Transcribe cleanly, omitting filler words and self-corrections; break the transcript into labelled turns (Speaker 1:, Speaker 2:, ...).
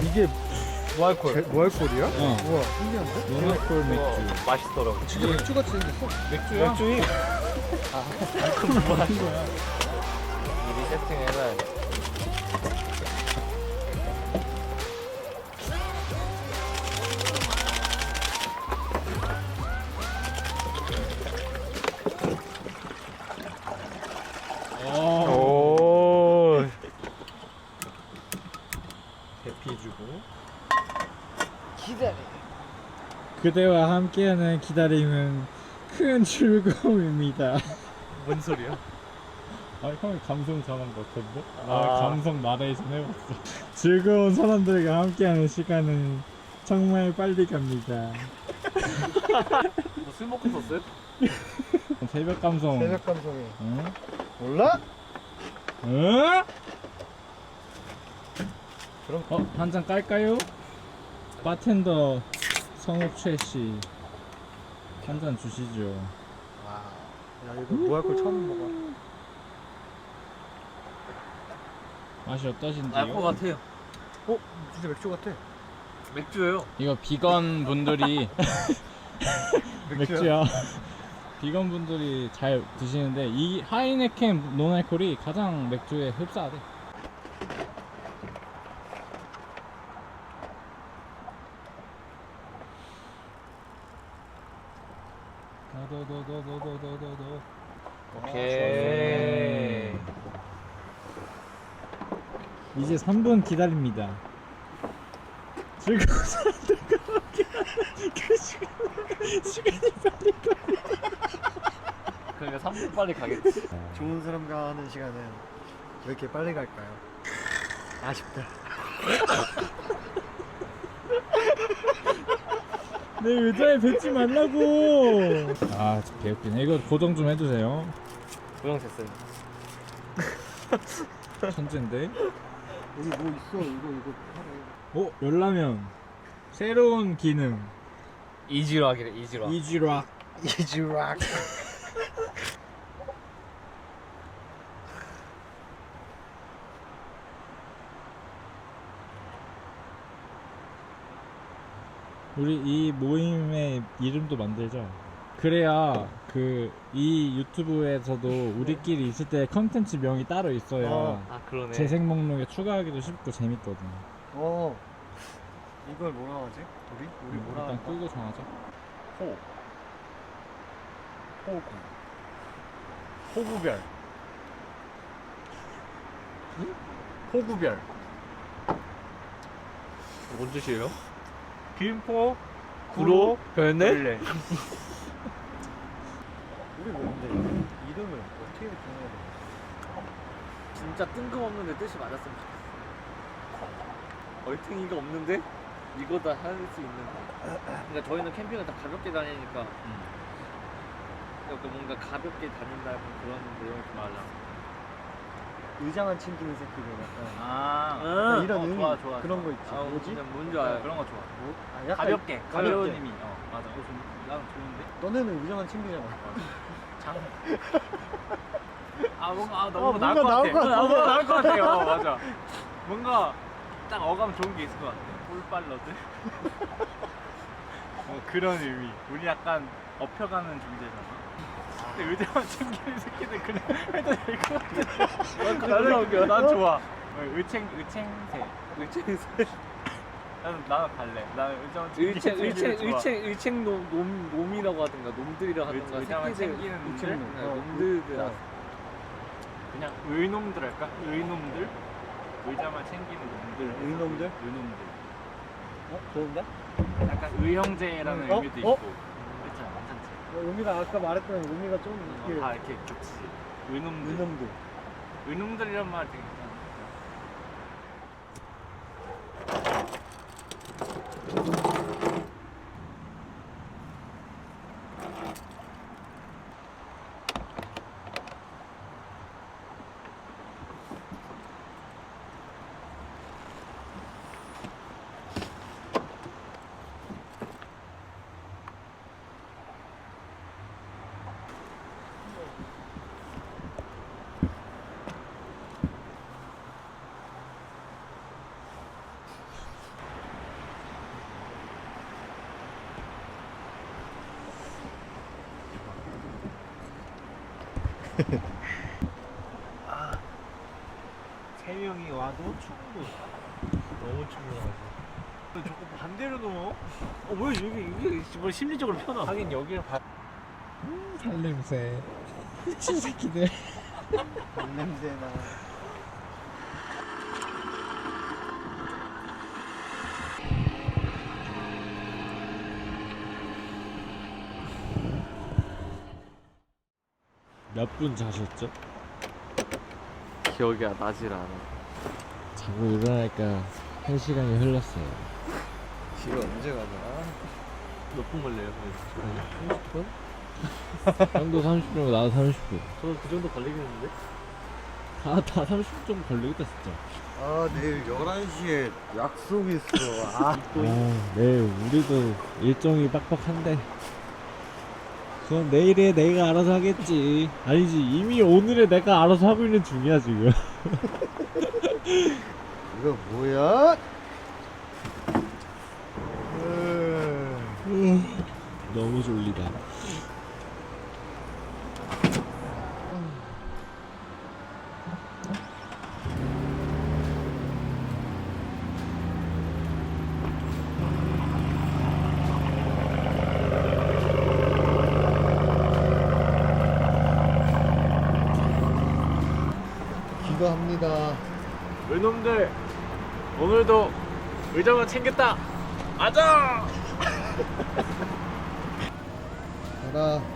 Speaker 1: 이게 무알콜.
Speaker 2: 무알콜이야?
Speaker 3: 어.
Speaker 2: 우와 신기한데?
Speaker 3: 노알콜 맥주.
Speaker 1: 맛있더라고.
Speaker 2: 진짜 맥주같이 생겼어.
Speaker 3: 맥주야?
Speaker 1: 맥주이
Speaker 3: 그럼 뭐 하는 거야?
Speaker 1: 미리 세팅해놔야 돼. 오.
Speaker 2: 대피 주고.
Speaker 1: 기다려.
Speaker 3: 그대와 함께하는 기다림은 큰 즐거움입니다.
Speaker 1: 뭔 소리야?
Speaker 3: 아, 형이 감성 전한 것 같은데? 나
Speaker 1: 아.
Speaker 3: 감성 나레이션 해봤어. 즐거운 사람들과 함께하는 시간은 정말 빨리 갑니다.
Speaker 1: 술 먹고 썼어요?
Speaker 3: 새벽 감성.
Speaker 2: 새벽 감성이.
Speaker 3: 응?
Speaker 2: 몰라?
Speaker 3: 응?
Speaker 2: 그럼
Speaker 3: 한 잔 깔까요? 바텐더 성욱 최씨 한 잔 주시죠.
Speaker 2: 와. 야 이거 무알콜 처음 먹어.
Speaker 3: 맛이 어떠신지요?
Speaker 1: 알 것 같아요.
Speaker 2: 어? 진짜 맥주 같아.
Speaker 1: 맥주예요.
Speaker 3: 이거 비건 분들이 맥주야. 비건 분들이 잘 드시는데 이 하이네켄 노알콜이 가장 맥주에 흡사하대. 도도도도도도도도.
Speaker 1: 오케이.
Speaker 3: 이제 3분 기다립니다. 즐거운 사람들과 함께하는 그 시간이 빨리
Speaker 1: 그러니까 3분 빨리 가겠지.
Speaker 2: 좋은 사람과 하는 시간은 왜 이렇게 빨리 갈까요? 아쉽다.
Speaker 3: 내 의자에 뱉지 말라고. 아, 진짜 개웃기네. 이거 고정 좀 해주세요.
Speaker 1: 고정 됐어요.
Speaker 3: 천재인데.
Speaker 2: 여기 뭐 있어? 이거 하래.
Speaker 3: 열라면 새로운 기능
Speaker 1: 이지락이래, 이지락.
Speaker 3: 이지락.
Speaker 2: 이즈락.
Speaker 3: 우리 이 모임의 이름도 만들자. 그래야 이 유튜브에서도 우리끼리 있을 때 컨텐츠 명이 따로 있어야
Speaker 1: 아, 그러네.
Speaker 3: 재생 목록에 추가하기도 쉽고 재밌거든.
Speaker 2: 이걸 뭐라 하지? 우리 뭐라
Speaker 3: 일단
Speaker 2: 할까?
Speaker 3: 끄고 정하자.
Speaker 2: 호구별. 호구별.
Speaker 1: 뭔 뜻이에요?
Speaker 2: 김포
Speaker 1: 구로 별내?
Speaker 2: 우리 뭔데? 이름을 어떻게 정해야 돼?
Speaker 1: 진짜 뜬금없는데 뜻이 맞았으면 좋겠어. 얼탱이가 없는데 이거다 할 수 있는 거. 그러니까 저희는 캠핑을 다 가볍게 다니니까 그러니까 뭔가 가볍게 다닌다는 그런 내용을 좀 하려고.
Speaker 2: 의자만 챙기는 새끼들 약간.
Speaker 1: 아,
Speaker 2: 이런 의미
Speaker 1: 좋아.
Speaker 2: 그런 거 있지. 뭐지?
Speaker 1: 뭔지 알아요. 그런 거 좋아.
Speaker 2: 뭐? 아, 약간
Speaker 1: 가볍게,
Speaker 2: 가볍게.
Speaker 1: 가벼운 의미. 맞아. 나는 좋은데.
Speaker 2: 너네는 의자만 챙기잖아.
Speaker 1: 장. 뭔가 너무
Speaker 2: 뭔가
Speaker 1: 나을 것
Speaker 2: 나올 것
Speaker 1: 같아.
Speaker 2: 같아.
Speaker 1: 뭔가 나을 것 같아요. 맞아. 뭔가 딱 어감 좋은 게 있을 것 같아. 꿀빨러들. 그런 의미. 우리 약간 업혀가는 존재잖아. 근데 의자만 챙기는 새끼들 그냥 해도 될 것 같아. 난 좋아. 의챙새. 나는 갈래. 나는 의자만 챙기는 의챙 놈이라고 하든가 놈들이라고 하든가
Speaker 3: 의자만
Speaker 1: 새끼들,
Speaker 3: 챙기는
Speaker 1: 의챙
Speaker 3: 놈들?
Speaker 1: 놈들.
Speaker 3: 그냥 의놈들 할까? 의놈들? 의자만 챙기는 놈들.
Speaker 2: 의놈들?
Speaker 3: 의놈들.
Speaker 2: 좋은데?
Speaker 3: 약간 의형제라는
Speaker 2: 어?
Speaker 3: 의미도
Speaker 2: 어?
Speaker 3: 있고. 그렇잖아, 괜찮지?
Speaker 2: 의미가 아까 말했던 의미가 좀 이렇게
Speaker 3: 다 이렇게 겹치지. 의놈들.
Speaker 2: 의놈들.
Speaker 3: 의놈들이란 말 되게 괜찮아.
Speaker 2: 세 명이 와도 충분. 너무 충분하지. 자꾸 반대로 넣어? 뭐야 이게 뭐 심리적으로 편하.
Speaker 1: 하긴 여기를 봐.
Speaker 3: 살냄새. 미친 새끼들.
Speaker 2: 냄새나.
Speaker 3: 몇 분 자셨죠?
Speaker 1: 기억이 나질 않아.
Speaker 3: 자고 일어나니까 1시간이 흘렀어요.
Speaker 2: 집에 언제 가냐?
Speaker 1: 몇 분 걸려요?
Speaker 2: 30분?
Speaker 3: 형도 30분이고 나도 30분.
Speaker 1: 저도 그 정도 걸리겠는데?
Speaker 3: 다 30분 정도 걸리겠다 진짜.
Speaker 2: 아 내일 11시에 약속 있어. 아
Speaker 3: 내일 우리도 일정이 빡빡한데 그건 내일에 내가 알아서 하겠지. 아니지, 이미 오늘에 내가 알아서 하고 있는 중이야 지금.
Speaker 2: 이거 뭐야?
Speaker 3: 너무 졸리다.
Speaker 2: 기도합니다.
Speaker 1: 의놈들 오늘도 의정은 챙겼다. 맞아.
Speaker 2: 가라.